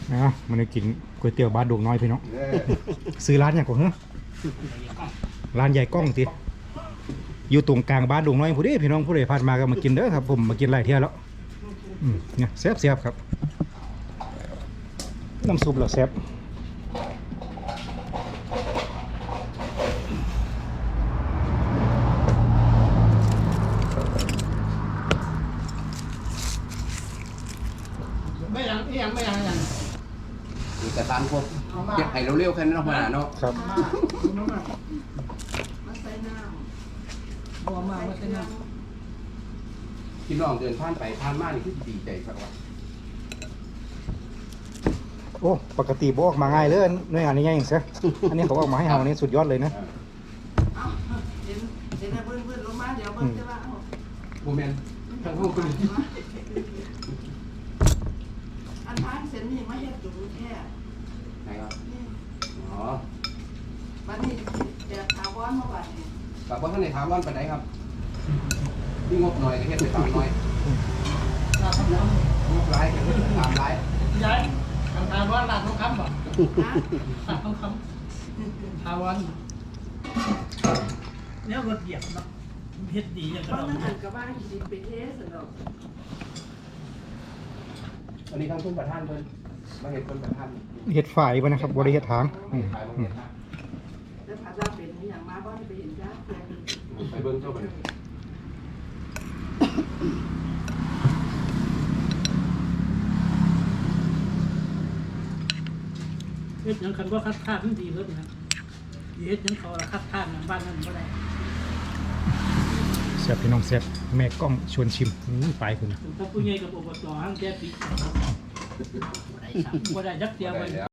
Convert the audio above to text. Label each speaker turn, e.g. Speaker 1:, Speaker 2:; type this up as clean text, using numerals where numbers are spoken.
Speaker 1: มันได้กินก๋วยเตี๋ยวบ้านดงน้อยพี่น้องซื้อร้านอย่างก่อนเหรอร้านใหญ่กล้องติอยู่ตรงกลางบ้านดงน้อยผู้ใดพี่น้องผู้ใดผ่านมาก็มากินเด้อครับผมมากินหลายเที่ยวแล้วเนี่ยแซ่บๆครับน้ำซุปเหรอแซ่บ
Speaker 2: ไม่ยัง
Speaker 3: อีกแต่ตามพวกเก็บไห้เร็วๆแค่นั้นมาเนาะ
Speaker 1: ครับ
Speaker 2: มาใส่น้ำบัวมาใส่น้ำ
Speaker 3: พี่น้องเดินผ่านไปผ่านมานี่คือดีใจครับว่า
Speaker 1: โอ้ปกติบอกมาง่ายเลยหน่วยงานนี้ง่ายอย่างเสียอันนี้เขาออกมาให้เรานี่สุดยอดเลยนะ
Speaker 2: เห็นเพื่อนลงมาเดี๋ยวเพื่อนจะว่า
Speaker 3: โมเมนต์ทั้งพวกคุณ
Speaker 2: อันทางเส้นนี่ไม่เห็นจุดแค่
Speaker 3: ไหนครับอ๋อ
Speaker 2: วันนี้แบบถาวรเมื่อวานนี้
Speaker 3: กับว่าท่านในถามว่าไปไหนครับที่งบหน่อยก็เฮ็ดไปตามน้อยงบร้ายก็เฮ็ดไปตามร้าย
Speaker 4: ยายทางวันลาดทองคำบ่ลาดทองคำทางวันเนี่ยรถเหยียบเนาะเฮ็ดดีอย่าง
Speaker 2: เพ
Speaker 4: กระ
Speaker 2: ราะ
Speaker 4: ดอง
Speaker 2: มันหันกับบ้านดินไปเทสเนาะ
Speaker 3: อันนี้ทั้งคุณประธานเพิ่นมาเห็นคนประธาน
Speaker 1: เห็ดฝ่ายไปนะครับบริเห็ดทาง
Speaker 3: ขายมาเห็นนะ
Speaker 2: แล้วผัดลาเป็นอย่างมาบ้านไปเห็นจ้าเพื่อน
Speaker 3: ไปเบิ่งเจ้าไป
Speaker 4: เฮ็ดยังคันว่าคัดค้านมันดีเพิ่นนะเฮ็ดยังเขาละคัดค้านบ้านนั้นบ่ได้
Speaker 1: แซ่บพี่น้องแซ่บแม่กล้องชวนชิมไปคุณนะ
Speaker 4: ถ้าผู้ใหญ่กับอบตห้างแก้ปีบ่ได้จักเดียวไป